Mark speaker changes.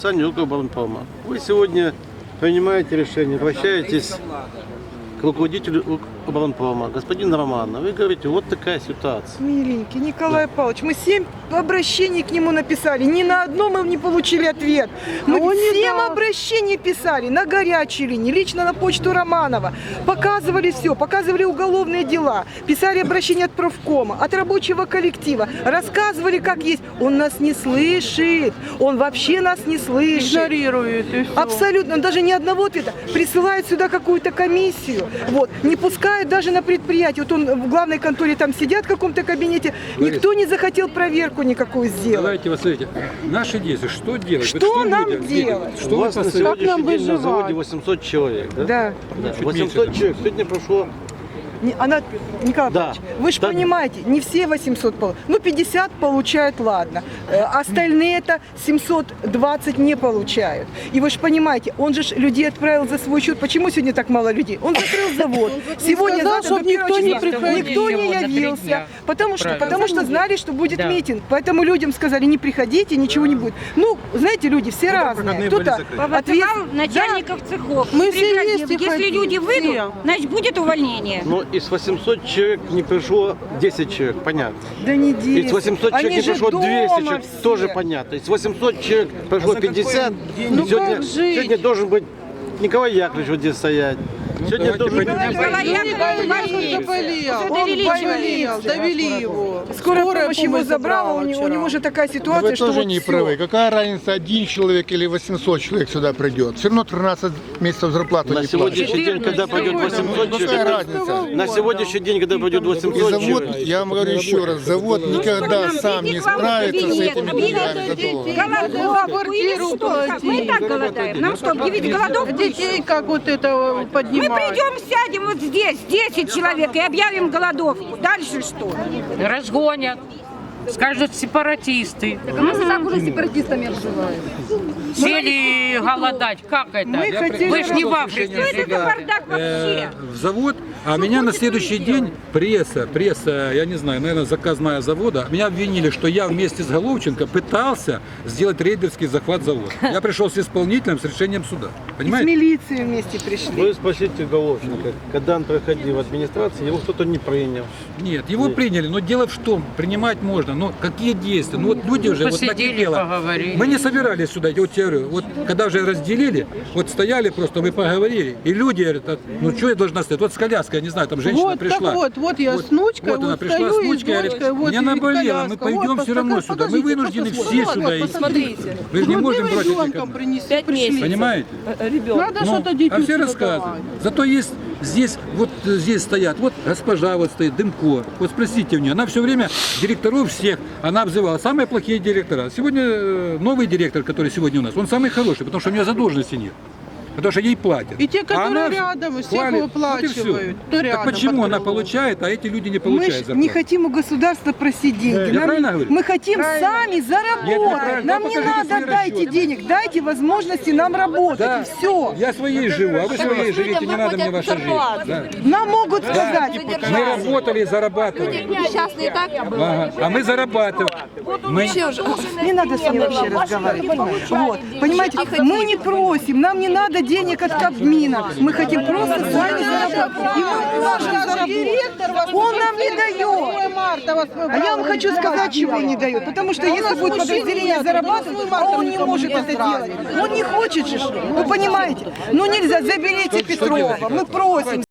Speaker 1: Саня Укрборонпрома. Вы сегодня принимаете решение, обращаетесь к руководителю Укрборонпрома, господин Романов. Вы говорите, вот такая ситуация.
Speaker 2: Миленький Николай Павлович, мы 7 обращений к нему написали, ни на одно мы не получили ответ. Мы 7 обращений писали на горячей линии, лично на почту Романова. Показывали все, показывали уголовные дела, писали обращения от профкома, от рабочего коллектива, рассказывали как есть. Он нас не слышит, он вообще нас не слышит.
Speaker 3: Игнорирует и все.
Speaker 2: Абсолютно, он даже ни одного ответа. Присылает сюда какую-то комиссию, вот, не пускает даже на предприятие. Вот он в главной конторе там сидят в каком-то кабинете, никто не захотел проверку никакую сделать.
Speaker 4: Давайте, вот смотрите, наши действия, что делать?
Speaker 2: Что нам делать?
Speaker 1: Что у вас на сегодняшний
Speaker 3: нам
Speaker 1: день на
Speaker 3: выживать?
Speaker 1: заводе 800 человек, да?
Speaker 2: Да.
Speaker 1: 800 человек. Сегодня прошло.
Speaker 2: Николай
Speaker 1: Да.
Speaker 2: Павлович, вы же
Speaker 1: Да.
Speaker 2: понимаете, не все 800 получают. Ну, 50 получают, ладно. Остальные-то 720 не получают. И вы же понимаете, он же людей отправил за свой счет. Почему сегодня так мало людей? Он закрыл завод. Сегодня,
Speaker 3: сказал,
Speaker 2: завтра,
Speaker 3: чтоб
Speaker 2: до
Speaker 3: никто не
Speaker 2: числа.
Speaker 3: приходил.
Speaker 2: Никто не
Speaker 5: Всего на 3
Speaker 2: явился.
Speaker 5: дня.
Speaker 2: Потому что знали, что будет митинг. Поэтому людям сказали, не приходите, ничего не будет. Ну, знаете, люди все разные. Кто-то
Speaker 5: Повызывал начальников цехов.
Speaker 3: Мы все
Speaker 5: Пригрозил,
Speaker 3: вместе
Speaker 5: если
Speaker 3: ходили,
Speaker 5: люди выйдут,
Speaker 3: все.
Speaker 5: значит будет увольнение.
Speaker 1: Но из 800 человек не пришло 10 человек, понятно.
Speaker 2: Да не 10.
Speaker 1: Из 800 человек
Speaker 2: Они
Speaker 1: не
Speaker 2: же
Speaker 1: пришло 200
Speaker 2: дома
Speaker 1: человек,
Speaker 2: все.
Speaker 1: тоже понятно. Из 800 человек пришло 50.
Speaker 3: Ну
Speaker 1: сегодня,
Speaker 3: как жить?
Speaker 1: сегодня должен быть Николай Яковлевич вот здесь стоять. Сегодня должен быть...
Speaker 3: Он довели его.
Speaker 2: Скорая помощь его забрала, у него же такая
Speaker 6: Но
Speaker 2: ситуация,
Speaker 6: вы
Speaker 2: что
Speaker 6: тоже
Speaker 2: вот
Speaker 6: не
Speaker 2: всё.
Speaker 6: правы. Какая разница, 1 человек или 800 человек сюда придет? Все равно 13 месяцев зарплату
Speaker 1: На
Speaker 6: не
Speaker 1: сегодняшний
Speaker 6: платят.
Speaker 1: день, когда пойдет 800
Speaker 6: Какая
Speaker 1: человек,
Speaker 6: разница?
Speaker 1: на сегодняшний день, когда пойдет
Speaker 6: И
Speaker 1: 800
Speaker 6: завод,
Speaker 1: человек,
Speaker 6: я вам говорю еще раз, завод никогда сам не справится с этими деньгами за доллар.
Speaker 5: Голодовку или что? Как? Мы и так голодаем. Нам что, объявить голодовку?
Speaker 3: Детей как вот это
Speaker 5: Мы
Speaker 3: поднимать.
Speaker 5: придем, сядем вот здесь, 10 человек, и объявим голодовку. Дальше что?
Speaker 7: Разгонят, скажут сепаратисты.
Speaker 8: Мы так уже сепаратистами обзываем.
Speaker 7: Сели голодать. Как это?
Speaker 2: Мы хотели
Speaker 7: Вы ж не в
Speaker 5: Что
Speaker 7: Африке.
Speaker 5: это за бардак вообще?
Speaker 4: в завод, а меня на следующий день пресса, я не знаю, наверное, заказная завода, меня обвинили, что я вместе с Головченко пытался сделать рейдерский захват завода. Я пришел с исполнителем, с решением суда.
Speaker 2: С
Speaker 4: Понимаете?
Speaker 2: милицией вместе пришли.
Speaker 1: вы спросите Головченко, когда он проходил в администрации, его кто-то не принял.
Speaker 4: Нет, его приняли, но дело в том, принимать можно, но какие действия? Ну вот люди уже вот
Speaker 7: Посидели,
Speaker 4: накипело.
Speaker 7: поговорили.
Speaker 4: Мы не собирались сюда, я вот тебе говорю, вот когда уже разделили, вот стояли просто, мы поговорили, и люди говорят, «А, ну что я должна стоять? Вот с коляской, я не знаю, там женщина
Speaker 3: Вот,
Speaker 4: пришла.
Speaker 3: так вот я с внучкой,
Speaker 4: вот она
Speaker 3: вот
Speaker 4: пришла
Speaker 3: стою
Speaker 4: с
Speaker 3: и с
Speaker 4: внучкой, говорит,
Speaker 3: дочкой, вот
Speaker 4: меня
Speaker 3: и
Speaker 4: наболело, мы
Speaker 3: коляска.
Speaker 4: пойдем
Speaker 3: Вот,
Speaker 4: все равно сюда, мы вынуждены все сюда идти.
Speaker 8: Посмотрите.
Speaker 4: Вы же не можем брать этих
Speaker 3: ребенком
Speaker 4: одних.
Speaker 3: принесли, пришли.
Speaker 4: Понимаете?
Speaker 3: Надо
Speaker 4: Ну,
Speaker 3: что-то детям
Speaker 4: а все
Speaker 3: сюда
Speaker 4: рассказывают.
Speaker 3: давать.
Speaker 4: Зато есть здесь, вот здесь стоят, вот госпожа вот стоит, Дымко. Вот спросите у нее, она все время директоров всех, она обзывала самые плохие директора. Сегодня новый директор, который сегодня у нас, он самый хороший, потому что у нее задолженности нет. Потому что ей платят.
Speaker 3: И те,
Speaker 4: А
Speaker 3: которые
Speaker 4: она
Speaker 3: рядом, всех
Speaker 4: хвалит.
Speaker 3: выплачивают. Кто
Speaker 4: Так
Speaker 3: рядом
Speaker 4: почему
Speaker 3: под
Speaker 4: она
Speaker 3: крылом?
Speaker 4: получает, а эти люди не
Speaker 2: Мы
Speaker 4: получают
Speaker 2: ж
Speaker 4: зарплату?
Speaker 2: не хотим у государства просить деньги.
Speaker 4: Я правильно говорю?
Speaker 2: Мы хотим сами
Speaker 4: Нет,
Speaker 2: заработать.
Speaker 4: неправильно.
Speaker 2: Нам
Speaker 4: Да,
Speaker 2: не
Speaker 4: покажите
Speaker 2: надо
Speaker 4: свои
Speaker 2: дайте
Speaker 4: расчеты.
Speaker 2: денег, дайте возможности нам работать.
Speaker 4: Да.
Speaker 2: И все.
Speaker 4: Я своей живу, а вы своей живите, не надо мне ваша жизнь. Да.
Speaker 2: Нам могут сказать.
Speaker 4: Мы работали и зарабатывали.
Speaker 8: Несчастные так.
Speaker 4: Ага. А мы зарабатываем. Мы...
Speaker 2: Не надо с ней вообще разговаривать. Вот. Понимаете, мы не просим, нам не надо денег от Кабмина. Мы хотим просто сами заработать. И мы можем заработать. Он нам не дает. А я вам хочу сказать, чего он не дает. Потому что если будет подразделение зарабатывать, а он не может это делать. Он не хочет же. Вы понимаете? Ну нельзя, заберите Петрова. Мы просим.